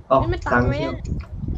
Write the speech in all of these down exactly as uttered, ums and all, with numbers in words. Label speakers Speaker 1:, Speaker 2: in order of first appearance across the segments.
Speaker 1: อ๋อ
Speaker 2: นี่มัน
Speaker 1: ทา
Speaker 2: ตั
Speaker 1: ง
Speaker 2: งไหม
Speaker 1: เที่ยว
Speaker 2: อะ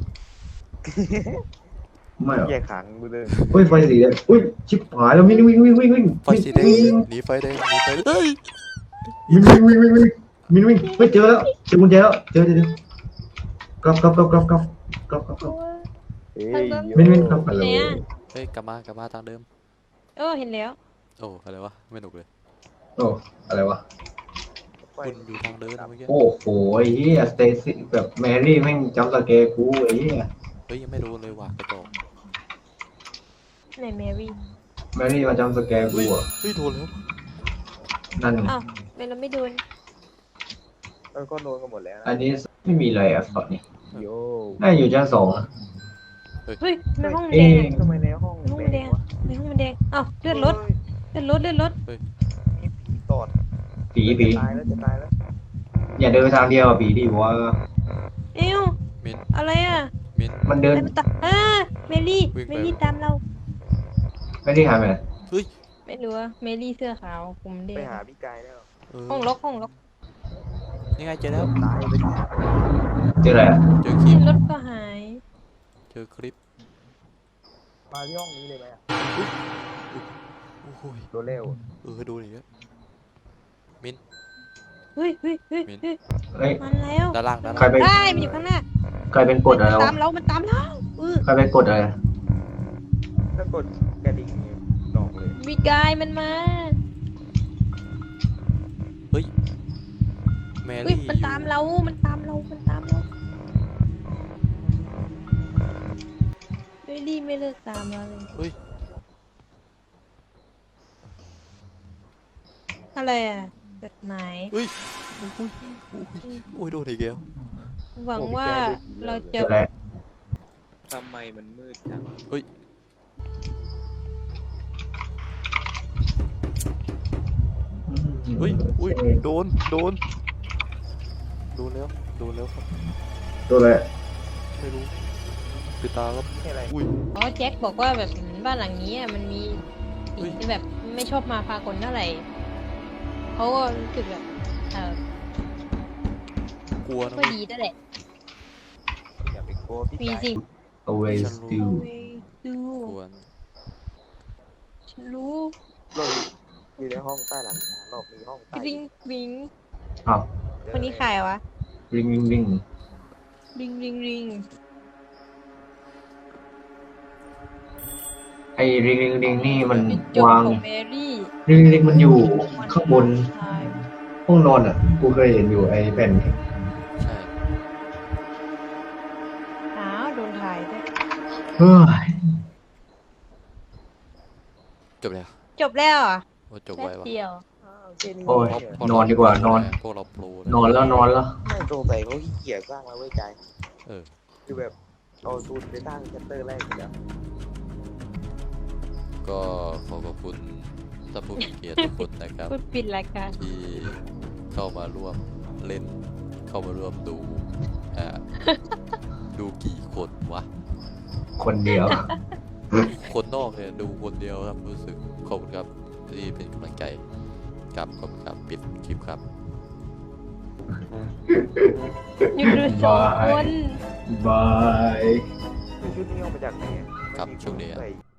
Speaker 1: ไม่หรอ
Speaker 3: แยกขังกูเลย
Speaker 1: อุ้ยไฟสีแดงอุ้ยชิบหายแล้ววิ่งวิ่งวิ่งวิ่งวิ่ง
Speaker 4: ไฟสีแดงหนีไฟแดงหนีไฟเฮ้ย
Speaker 1: วิ่งวิ่งวิ่งวิ่งวิ่งวิ่งวิ่งเฮ้ยเจอแล้วเจอกุญแจแล้วเจอเจอเจอกลับกลับกลับกลับกลับกลับกลับกลับ
Speaker 3: เฮ้ย
Speaker 1: วิ่งวิ่งกลับไป
Speaker 2: ไห
Speaker 1: เล
Speaker 2: น
Speaker 1: ย
Speaker 2: อะ
Speaker 4: เฮ้ยกลับมากลับมาทางเดิม
Speaker 2: เออเห็นแล้ว
Speaker 4: โอ้อะไรวะไม่หนุกเลย
Speaker 1: โอ้อะไรวะ
Speaker 4: คุณอยู่ทางเดินเมื่อกี้
Speaker 1: โอ้โหไอ้เหี้ยสเตซี่แบบแมรี่แม่งจำสแกร์กูไอ้เหี้ย
Speaker 4: เฮ้ยยังไม่โดนเลยว่ะกระจอก
Speaker 2: ไหนแมรี่
Speaker 1: แมรี่มาจำสแกร์กู
Speaker 4: เฮ้ย
Speaker 1: อ่ะ
Speaker 4: เฮ้ยโดนแล้ว
Speaker 1: นั่นไง
Speaker 2: อ้าวเมเราไม่โดน
Speaker 3: เออก็โดนกันหมดแล้ว
Speaker 1: อั
Speaker 3: นะ
Speaker 1: นนี้ไม่มีอะไรอ่ะตอนนี้
Speaker 3: โย่
Speaker 1: น่าอยู่ชั้นสองอะ
Speaker 2: เฮ้ยในห้องมัน
Speaker 1: เอ๊
Speaker 2: แดง
Speaker 1: ะ
Speaker 2: อะ
Speaker 3: ทำไมในห้อง
Speaker 2: ในห้องมันแดง
Speaker 3: วะ
Speaker 2: ในห้องมันแดงอ้าวเลื่อนรถเลื่อนรถเลื่อนรถ
Speaker 3: มีผีตอด
Speaker 1: ผีผี
Speaker 3: จะตายแล้วจะตายแล้ว
Speaker 1: อย่าเดินไปทางเดียวอ่ะผีดิบอกว่า
Speaker 2: เอ้ว
Speaker 4: มิน
Speaker 2: อะไรอะ
Speaker 4: มิน
Speaker 1: มันเดิน
Speaker 2: อะไรมันตามอ่าเมลี่
Speaker 4: วิ่งไป
Speaker 2: เมลี่ตามเรา
Speaker 1: ไม่ได้หายไปไหน
Speaker 4: เฮ้ย
Speaker 2: ไม่รู้อะเมลี่เสื้อขาวผมแด
Speaker 3: ไป
Speaker 2: ง
Speaker 3: หาพี่กายแล้ว
Speaker 4: เออ
Speaker 2: ห้องล็อกห้องล็อก
Speaker 4: นี่ไงเจอแล้ว
Speaker 3: ตายไปดิ
Speaker 1: เจออะไรอ่ะ
Speaker 4: เจอคลิ
Speaker 2: ขึ้
Speaker 4: ป
Speaker 2: นรถก็หาย
Speaker 4: เจอคลิป
Speaker 3: มาที่ห้องนี้เลยไหมอะ
Speaker 4: โอ้โหย
Speaker 3: โดนเร็ว
Speaker 4: เออโดนอีกแล้วมิน
Speaker 2: เฮ้ยเฮ้ยเฮ้ย
Speaker 4: มิน
Speaker 2: เฮ้ย
Speaker 1: เฮ้ย
Speaker 2: มันแล้ว
Speaker 4: ด้านล่างด้าน
Speaker 1: ใคร
Speaker 4: ล่าง
Speaker 1: ไป
Speaker 2: ได้มันอยู่ข้างหน้า
Speaker 1: ใครเป็นกดอะไร
Speaker 2: มัน
Speaker 1: วะ
Speaker 2: ตามเรามันตามเราเออ
Speaker 1: ใครเป็นกดอะไร
Speaker 3: ถ้ากดกระดิ่งดอกเลย
Speaker 2: มีกายมันมา
Speaker 4: เฮ้ยแม
Speaker 2: เฮ้ย
Speaker 4: รี่
Speaker 2: มันตามเรา มันตามเรา มันตามเราเมลี่ไม่เลิกตามเราเลย
Speaker 4: เฮ้ย
Speaker 2: อะไรอ่ะจดหมาย
Speaker 4: เฮ้ยโอ้ยโอ้ยโอ้ยโดนอีกแล้ว
Speaker 2: หวังว่าเรา
Speaker 1: เจ
Speaker 2: จะ
Speaker 1: ออะไร
Speaker 3: ทำไมมันมืดจัง
Speaker 4: เฮ้ย เฮ้ยอุ้ยโดนโดนโดนแล้วโดนแล้วครับ
Speaker 1: โดนอะไร
Speaker 4: ไม่รู้ปิดตาครับ
Speaker 3: ไม่ใช่อะไร
Speaker 4: อุ้ย
Speaker 2: อ๋อแจ็คบอกว่าแบบบ้านหลังนี้อ่ะมันมี
Speaker 4: เฮ้
Speaker 2: สิ่
Speaker 4: ย
Speaker 2: งที่แบบไม่ชอบมาพากลเท่าไหร่เขาก็รู้สึกแบบเออก
Speaker 4: ลัวนะ
Speaker 2: ก็ดีนั่นแหละ
Speaker 3: อย่าไปกลัวพี่
Speaker 2: มี
Speaker 3: กาย
Speaker 2: สิ่ง
Speaker 1: always do
Speaker 2: ดู
Speaker 4: กลัว
Speaker 2: ฉันรู้
Speaker 3: เราอยู่ในห้องใต้หลังคารอบมีห้องใต้
Speaker 2: บิงบิง
Speaker 1: อ้าว
Speaker 2: คนนี้ใครวะ
Speaker 1: ริงริงริง
Speaker 2: ริงริงริง
Speaker 1: ไอ้ริงริงริงนี่มัน
Speaker 2: จุดจบ
Speaker 1: วาง
Speaker 2: ของแมรี่
Speaker 1: ริงริงมันอยู่ข้างบน
Speaker 2: ใช่
Speaker 1: ห้องนอนอ่ะ กูเคยเห็นอยู่ไอ้แผ่นนี้
Speaker 4: ใช่
Speaker 2: อ้าวโดนถ่ายด้วย
Speaker 1: เฮ้ย
Speaker 4: จบแล้ว
Speaker 2: จบแล้วเหรอ่ะ
Speaker 4: โอ้จบ
Speaker 2: แป๊
Speaker 4: ไว
Speaker 2: บ
Speaker 4: วะ
Speaker 2: เดียว
Speaker 3: อ้าวเจนี่
Speaker 1: โอ้ย
Speaker 3: เนี่ย
Speaker 4: เพราะ
Speaker 1: นอนดีกว่านอน
Speaker 4: พวกเราโปร
Speaker 1: นอนแล้วนอนแล้ว
Speaker 3: ไม่โตไปเขาขี้เกียจสร้างมาไว้ใจ
Speaker 4: เออ
Speaker 3: คือแบบเอาทุนไปสร้างแชปเตอร์แรกอยู่แล้ว
Speaker 4: ก็ขอขอบคุณท่านผู้มีเกียรติทุกคนนะครับ
Speaker 2: พูดปิดรายการ
Speaker 4: ที่เข้ามาร่วมเล่น เข้ามาร่วมดูอ่าดูกี่คนวะ
Speaker 1: คนเดียว
Speaker 4: คนนอกเนี่ยดูคนเดียวครับรู้สึกขอบคุณครับที่เป็นกำลังใจกับขอบคุณครับปิดคลิปครับ
Speaker 2: อยู่ดูสองคน
Speaker 1: บาย
Speaker 3: คือชุดนี้เอามาจากไหนอะ
Speaker 4: ครับช่วงนี้
Speaker 3: ใส่